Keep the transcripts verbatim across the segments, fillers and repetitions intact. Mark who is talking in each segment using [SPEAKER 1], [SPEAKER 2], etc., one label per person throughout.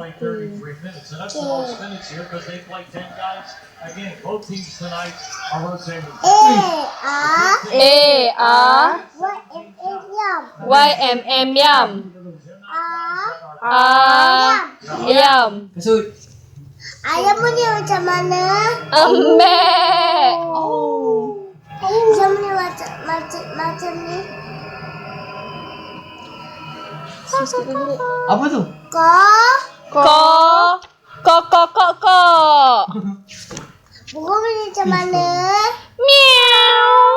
[SPEAKER 1] play thirty-three minutes, and that's the most minutes here because they play ten guys. Again, both teams tonight are rotating.
[SPEAKER 2] A R Y M M yum. R yum.
[SPEAKER 3] Kasut.
[SPEAKER 4] Ayam punya macam mana?
[SPEAKER 2] Ambek.
[SPEAKER 4] Oh. Ayam punya macam macam macam ni.
[SPEAKER 3] Apa tu?
[SPEAKER 4] Ko.
[SPEAKER 2] Ko. Ko ko ko ko.
[SPEAKER 4] Burung punya macam mana?
[SPEAKER 2] Meow.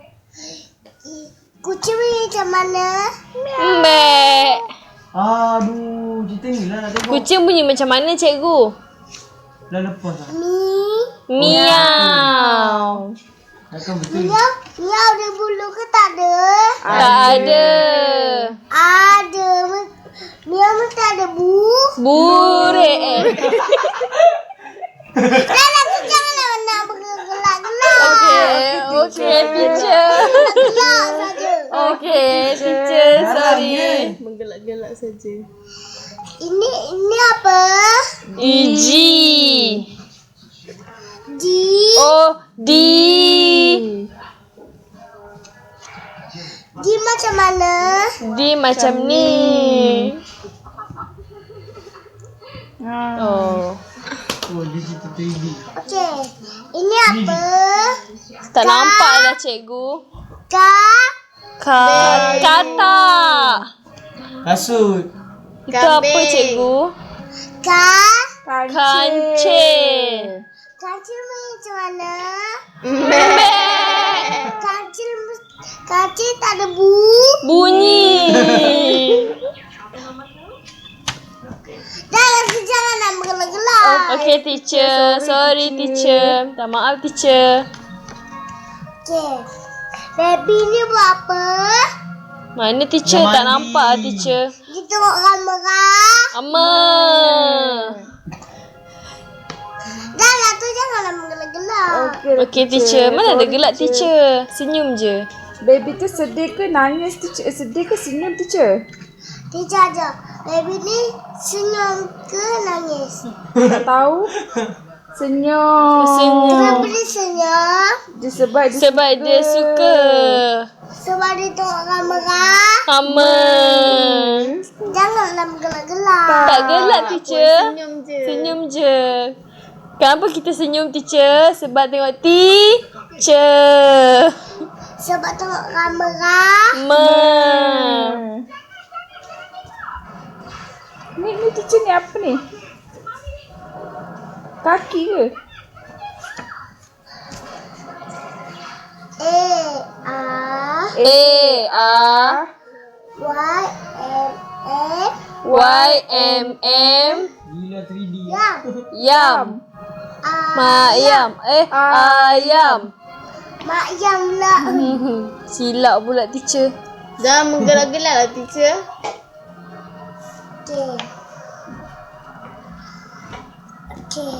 [SPEAKER 4] Kucing punya macam mana?
[SPEAKER 2] Ambek.
[SPEAKER 3] Aduh, cerita ni lah nak tengok.
[SPEAKER 2] Kucing bunyi macam mana cikgu?
[SPEAKER 3] Dah lepas lah.
[SPEAKER 4] Mi.
[SPEAKER 2] Miau.
[SPEAKER 3] Takkan betul.
[SPEAKER 4] Miau, miau ada bulu ke tak ada?
[SPEAKER 2] Tak ada.
[SPEAKER 4] Ada. Miau mesti ada bu.
[SPEAKER 2] Burek eh.
[SPEAKER 4] Dah lah, tu janganlah nak bergelak-gelak.
[SPEAKER 2] Okey, okey teacher.
[SPEAKER 4] Gelak saja.
[SPEAKER 2] Okey, teacher, sorry.
[SPEAKER 5] Menggelak-gelak saja.
[SPEAKER 4] Ini ini apa?
[SPEAKER 2] E G.
[SPEAKER 4] G.
[SPEAKER 2] Oh, D.
[SPEAKER 4] G macam mana?
[SPEAKER 2] D macam ni. Oh.
[SPEAKER 3] Oh, digital T V.
[SPEAKER 4] Okey. Ini apa?
[SPEAKER 2] Tak nampak dah cikgu.
[SPEAKER 4] Ka.
[SPEAKER 2] Ka kata.
[SPEAKER 3] Kasut.
[SPEAKER 2] Itu apa cikgu?
[SPEAKER 4] Ka.
[SPEAKER 2] Kancil.
[SPEAKER 4] Kancil macam mana?
[SPEAKER 2] Mek.
[SPEAKER 4] Kancil kancil tak ada bu.
[SPEAKER 2] Bunyi.
[SPEAKER 4] Dah lah, jangan nak bergelak-gelak.
[SPEAKER 2] Okey teacher, sorry teacher. Minta maaf teacher.
[SPEAKER 4] Okey. Baby ni buat apa?
[SPEAKER 2] Mana teacher?
[SPEAKER 3] Dah
[SPEAKER 2] Tak
[SPEAKER 3] mandi.
[SPEAKER 2] nampak teacher.
[SPEAKER 4] Dia tengok kamera.
[SPEAKER 2] Amma.
[SPEAKER 4] Dah lah, tu janganlah bergelak-gelak.
[SPEAKER 2] Okey teacher, mana ada gelak teacher? Senyum je.
[SPEAKER 5] Baby tu sedih ke nangis teacher? Eh, sedih ke senyum teacher?
[SPEAKER 4] Teacher aja. Baby ni senyum ke nangis?
[SPEAKER 5] Tak tahu. Senyum.
[SPEAKER 2] Senyum.
[SPEAKER 4] Kenapa dia senyum?
[SPEAKER 5] Dia sebab dia
[SPEAKER 2] Sebab dia suka.
[SPEAKER 4] Sebab dia tengok kamera.
[SPEAKER 2] Amma.
[SPEAKER 4] Janganlah bergelak-gelak.
[SPEAKER 2] Tak gelak teacher.
[SPEAKER 5] senyum je.
[SPEAKER 2] Senyum je. Kenapa kita senyum teacher? Sebab tengok teacher.
[SPEAKER 4] Sebab tengok kamera.
[SPEAKER 2] Ma.
[SPEAKER 5] Ni, ni teacher ni apa ni? Kaki ke?
[SPEAKER 4] A. A.
[SPEAKER 2] A R
[SPEAKER 4] Y. M. M.
[SPEAKER 2] Y M M
[SPEAKER 3] Gila three D.
[SPEAKER 4] Yang.
[SPEAKER 2] Yam.
[SPEAKER 4] A.
[SPEAKER 2] Mayam. Eh ayam.
[SPEAKER 4] Mak yang pula.
[SPEAKER 2] Silap pula teacher.
[SPEAKER 5] Jangan menggelak-gelak lah teacher.
[SPEAKER 4] Okey. Okey.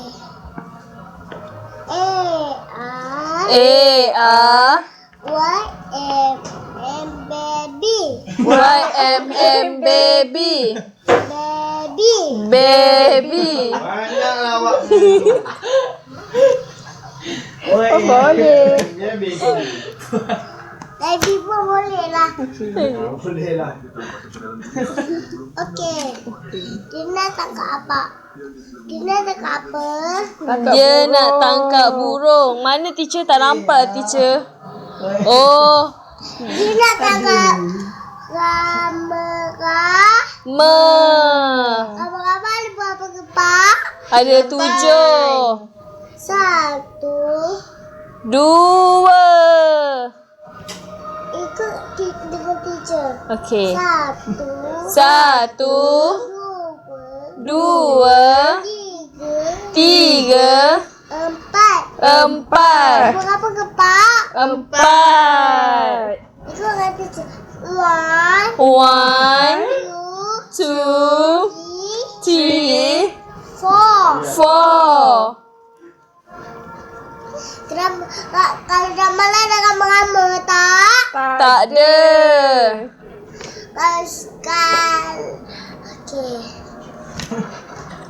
[SPEAKER 4] A. A.
[SPEAKER 2] A R
[SPEAKER 4] Y. M. M. Baby.
[SPEAKER 2] Y M M baby.
[SPEAKER 4] Baby.
[SPEAKER 2] Baby.
[SPEAKER 3] Banyaklah awak.
[SPEAKER 5] Oh, boleh.
[SPEAKER 4] Baby pun boleh lah.
[SPEAKER 3] Boleh lah.
[SPEAKER 4] Okey. Dina tangkap apa? Dina tangkap apa?
[SPEAKER 2] Dia nak tangkap burung. Mana teacher? Tak nampak teacher. Oh.
[SPEAKER 4] Dina tangkap kamera.
[SPEAKER 2] Me.
[SPEAKER 4] Kamera ada berapa kepak?
[SPEAKER 2] Ada tujuh.
[SPEAKER 4] Satu.
[SPEAKER 2] Dua.
[SPEAKER 4] Ikut ti- dengan teacher.
[SPEAKER 2] Okey.
[SPEAKER 4] Satu.
[SPEAKER 2] Satu.
[SPEAKER 4] Dua.
[SPEAKER 2] Dua.
[SPEAKER 4] Tiga.
[SPEAKER 2] Tiga.
[SPEAKER 4] Empat.
[SPEAKER 2] Empat.
[SPEAKER 4] Berapa kepak?
[SPEAKER 2] Empat.
[SPEAKER 4] Ikut dengan teacher. One.
[SPEAKER 2] One.
[SPEAKER 4] Two.
[SPEAKER 2] Two.
[SPEAKER 4] Three.
[SPEAKER 2] Three.
[SPEAKER 4] Four.
[SPEAKER 2] Four.
[SPEAKER 4] Kenapa? Kak, kalau ramalan ada rama-rama tak?
[SPEAKER 2] Tak ada.
[SPEAKER 4] Kalau sekal. Okey.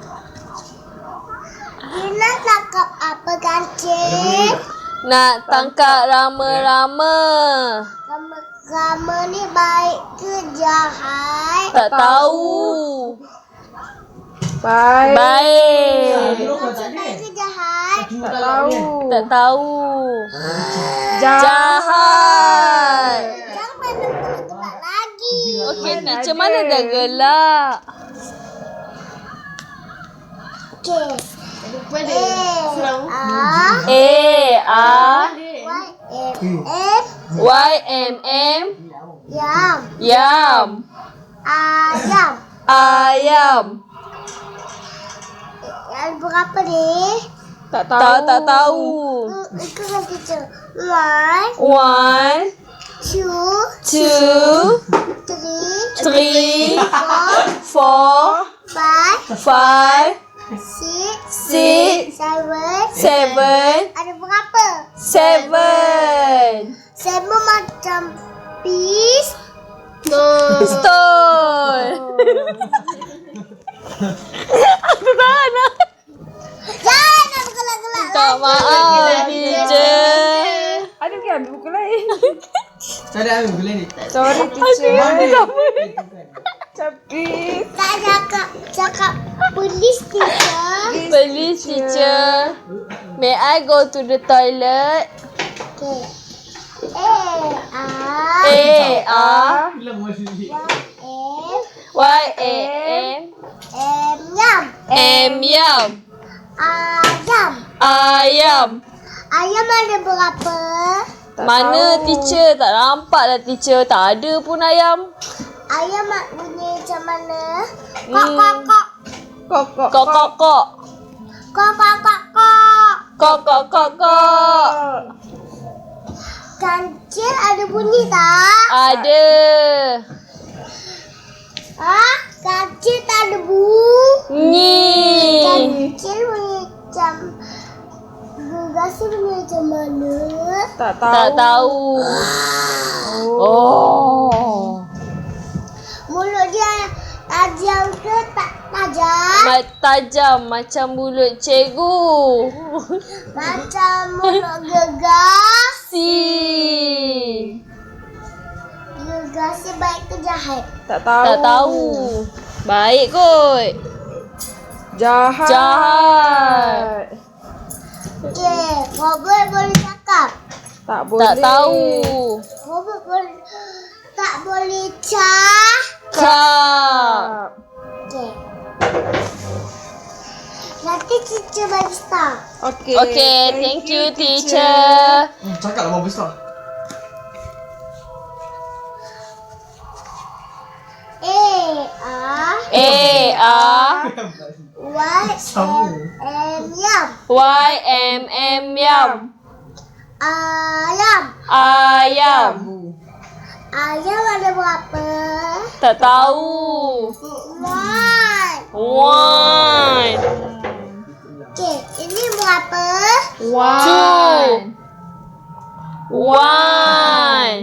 [SPEAKER 2] Nak tangkap rama-rama.
[SPEAKER 4] Rama ni baik ke jahat?
[SPEAKER 2] Tak tahu.
[SPEAKER 5] Baik.
[SPEAKER 2] Baik.
[SPEAKER 4] Maksud baik ke jahat?
[SPEAKER 5] Tak tahu.
[SPEAKER 2] Tak tahu.
[SPEAKER 5] Jahat.
[SPEAKER 2] Jahat.
[SPEAKER 4] Jangan mana pun tempat lagi.
[SPEAKER 2] Okey, teacher mana dah gelak?
[SPEAKER 4] Okey. A A
[SPEAKER 2] A, A,
[SPEAKER 4] Y M M
[SPEAKER 2] Y, M, M,
[SPEAKER 4] Yam
[SPEAKER 2] yam.
[SPEAKER 4] Ayam.
[SPEAKER 2] Ayam.
[SPEAKER 4] Yang berapa ni?
[SPEAKER 5] Tak tahu.
[SPEAKER 2] Tak, tak tahu.
[SPEAKER 4] Ikut kan teacher. One,
[SPEAKER 2] One,
[SPEAKER 4] two,
[SPEAKER 2] two,
[SPEAKER 4] three,
[SPEAKER 2] three,
[SPEAKER 4] four,
[SPEAKER 2] four,
[SPEAKER 4] five,
[SPEAKER 2] five,
[SPEAKER 4] six,
[SPEAKER 2] six,
[SPEAKER 4] seven.
[SPEAKER 2] seven,
[SPEAKER 4] Ada berapa?
[SPEAKER 2] seven.
[SPEAKER 4] Seven macam piece.
[SPEAKER 2] Stone. Aku tahan lah.
[SPEAKER 4] Jangan nak bergelak-gelak.
[SPEAKER 2] Minta maaf, teacher.
[SPEAKER 5] Ada ke ambil buku lain?
[SPEAKER 3] Saya dah ambil buku lain ni.
[SPEAKER 5] Sorry teacher. Tapi
[SPEAKER 4] Tak cakap, cakap polis teacher.
[SPEAKER 2] Please, teacher. May I go to the toilet?
[SPEAKER 4] Okay. A, A,
[SPEAKER 2] A, A,
[SPEAKER 3] Bilang masa ni.
[SPEAKER 4] M,
[SPEAKER 2] Y, A, M,
[SPEAKER 4] M, yam.
[SPEAKER 2] M, yam.
[SPEAKER 4] Ayam.
[SPEAKER 2] Ayam.
[SPEAKER 4] Ayam ada berapa?
[SPEAKER 2] Mana teacher? Tak nampak lah teacher. Tak ada pun ayam.
[SPEAKER 4] Ayam mak bunyi macam mana? Kok,
[SPEAKER 2] Hmm.
[SPEAKER 4] kok, kok.
[SPEAKER 5] kok kok
[SPEAKER 2] Kok, kok, kok.
[SPEAKER 4] Kok, kok, kok, kok.
[SPEAKER 2] Kok, kok, kok, kok.
[SPEAKER 4] Kancil ada bunyi tak?
[SPEAKER 2] Ada.
[SPEAKER 4] Ah, kancil tak ada bu.
[SPEAKER 2] Ni.
[SPEAKER 4] Kancil bunyi macam gegasi bunyi macam mana?
[SPEAKER 5] tak tahu.
[SPEAKER 2] Tak tahu. Oh.
[SPEAKER 4] Mulut dia tajam ke tak tajam?
[SPEAKER 2] Ma- tajam macam mulut cikgu.
[SPEAKER 4] Macam mulut gegas.
[SPEAKER 2] Si.
[SPEAKER 4] Gegasi baik ke jahat?
[SPEAKER 5] Tak tahu.
[SPEAKER 2] Tak tahu. Baik kot.
[SPEAKER 5] Jahat.
[SPEAKER 2] Jahat.
[SPEAKER 4] Okey, Robert boleh cakap.
[SPEAKER 5] Tak boleh.
[SPEAKER 2] Tak tahu.
[SPEAKER 4] Robert boleh tak boleh cah.
[SPEAKER 2] Kak.
[SPEAKER 4] Okey. Nanti teacher bagi star.
[SPEAKER 5] Okey.
[SPEAKER 2] Okay, thank you teacher.
[SPEAKER 3] Hmm, cakap lah bagus tau.
[SPEAKER 4] A A
[SPEAKER 2] A, A,
[SPEAKER 4] Y
[SPEAKER 3] Sama.
[SPEAKER 4] M yam.
[SPEAKER 2] Y, M, M, yam.
[SPEAKER 4] Ayam.
[SPEAKER 2] Ayam.
[SPEAKER 4] Ayam ada berapa?
[SPEAKER 2] Tak tahu.
[SPEAKER 4] One.
[SPEAKER 2] One.
[SPEAKER 4] Okey, ini berapa?
[SPEAKER 2] Two. One.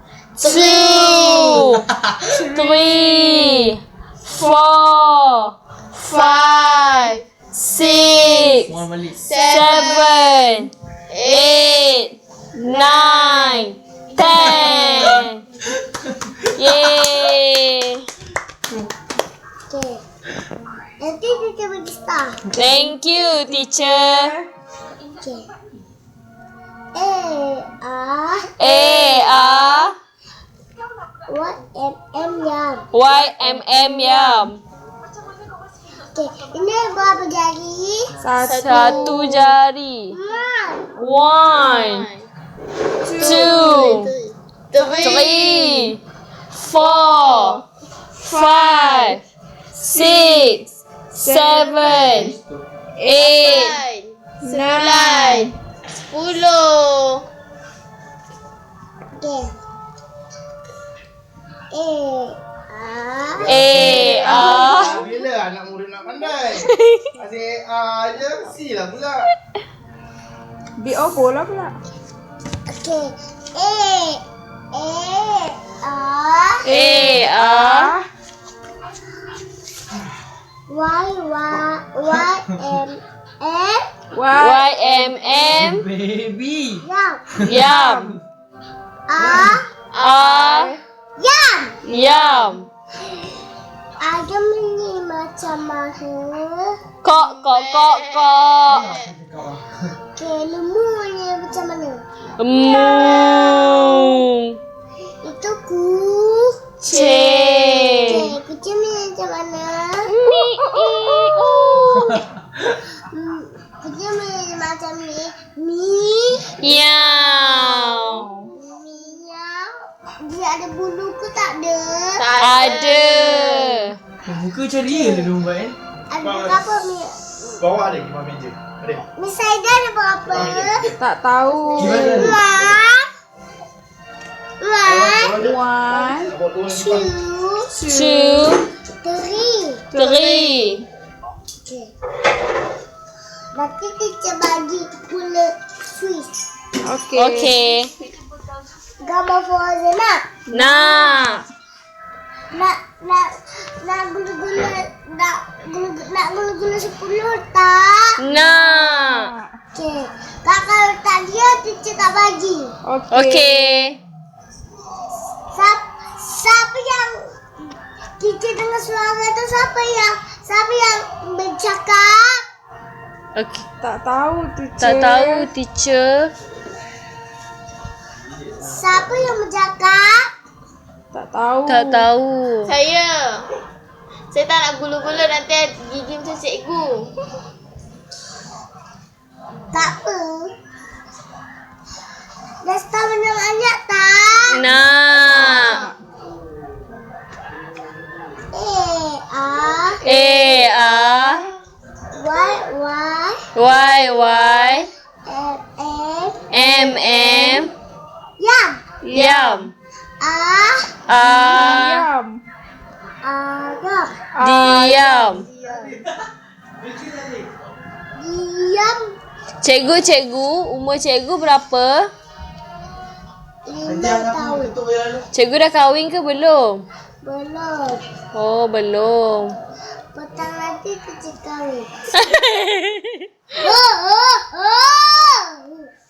[SPEAKER 2] Two. Three. Four. Five. Six.
[SPEAKER 3] Mual balik.
[SPEAKER 2] Seven. Eight. Nine. Ten. Yay.
[SPEAKER 4] Okey. Nanti teacher bagi star.
[SPEAKER 2] Thank you, teacher.
[SPEAKER 4] Okey. A A
[SPEAKER 2] A, A,
[SPEAKER 4] Y M M yam.
[SPEAKER 2] Y, M, M, yam.
[SPEAKER 4] Okey, ini berapa jari?
[SPEAKER 5] Satu.
[SPEAKER 2] Satu jari.
[SPEAKER 4] One.
[SPEAKER 2] One, two, three, four, five, six, seven, eight, nine, sepuluh.
[SPEAKER 4] Okey. A A
[SPEAKER 2] A, A,
[SPEAKER 3] Bila anak murid nak pandai? Asyik A je, C lah pula.
[SPEAKER 5] B O bola pula.
[SPEAKER 4] Okey. A A A
[SPEAKER 2] A, A,
[SPEAKER 4] Y Y Y M M
[SPEAKER 2] Y M M.
[SPEAKER 3] Baby.
[SPEAKER 4] Yam.
[SPEAKER 2] Yam.
[SPEAKER 4] A.
[SPEAKER 2] A.
[SPEAKER 4] Yam.
[SPEAKER 2] Yam.
[SPEAKER 4] Ayam ini macam mana?
[SPEAKER 2] Kok, kok, kok, kok.
[SPEAKER 4] Okay, lembu ini macam mana?
[SPEAKER 2] Mu.
[SPEAKER 4] Itu ku.
[SPEAKER 2] C.
[SPEAKER 4] Okay, kucing ini macam mana?
[SPEAKER 2] Mi. I. U.
[SPEAKER 4] Hmm, kucing ini macam ni. Mi.
[SPEAKER 2] Miau.
[SPEAKER 4] Miau. Dia ada bulu ke tak ada?
[SPEAKER 2] Ada.
[SPEAKER 3] Muka ceria dia domba eh.
[SPEAKER 4] Ada berapa mi?
[SPEAKER 3] Bawa ada di bawah meja. Ada.
[SPEAKER 4] Mi Saida ada berapa?
[SPEAKER 5] Tak tahu.
[SPEAKER 3] Gimana?
[SPEAKER 4] One. One.
[SPEAKER 5] One,
[SPEAKER 4] Two.
[SPEAKER 2] Two.
[SPEAKER 4] Three.
[SPEAKER 2] Three.
[SPEAKER 4] Okay. Nanti kita bagi gula Swiss.
[SPEAKER 5] okay.
[SPEAKER 2] Okay.
[SPEAKER 4] Gambar Frozen nak?
[SPEAKER 2] Nak.
[SPEAKER 4] Nak nak nak gula-gula nak gula nak gula-gula sepuluh tak?
[SPEAKER 2] Nak.
[SPEAKER 4] Okey. Kakak letak dia, teacher tak bagi.
[SPEAKER 5] Okay.
[SPEAKER 2] Okay.
[SPEAKER 4] Siapa, siapa yang teacher dengar suara tu, siapa yang siapa yang bercakap?
[SPEAKER 2] Okay.
[SPEAKER 5] Tak tahu teacher.
[SPEAKER 2] Tak tahu teacher.
[SPEAKER 4] Siapa yang bercakap?
[SPEAKER 5] Tak tahu.
[SPEAKER 2] Tak tahu.
[SPEAKER 6] Saya. Saya tak nak gula-gula nanti gigi macam cikgu.
[SPEAKER 4] Tak apa. Dah start banyak-banyak tak?
[SPEAKER 2] Nak.
[SPEAKER 4] Eh, ah,
[SPEAKER 2] A. A.
[SPEAKER 4] Y, Y,
[SPEAKER 2] Y. Y.
[SPEAKER 4] M, M,
[SPEAKER 2] M. M.
[SPEAKER 4] Yam.
[SPEAKER 2] Yam.
[SPEAKER 4] Ah,
[SPEAKER 2] A.
[SPEAKER 5] Diam.
[SPEAKER 4] Ayam.
[SPEAKER 2] Diam.
[SPEAKER 4] Diam.
[SPEAKER 2] Cikgu, cikgu. Umur cikgu berapa?
[SPEAKER 4] Lima tahun.
[SPEAKER 2] Cikgu dah kahwin ke belum?
[SPEAKER 4] Belum.
[SPEAKER 2] Oh, belum.
[SPEAKER 4] Petang nanti kita kahwin. Oh, oh, oh.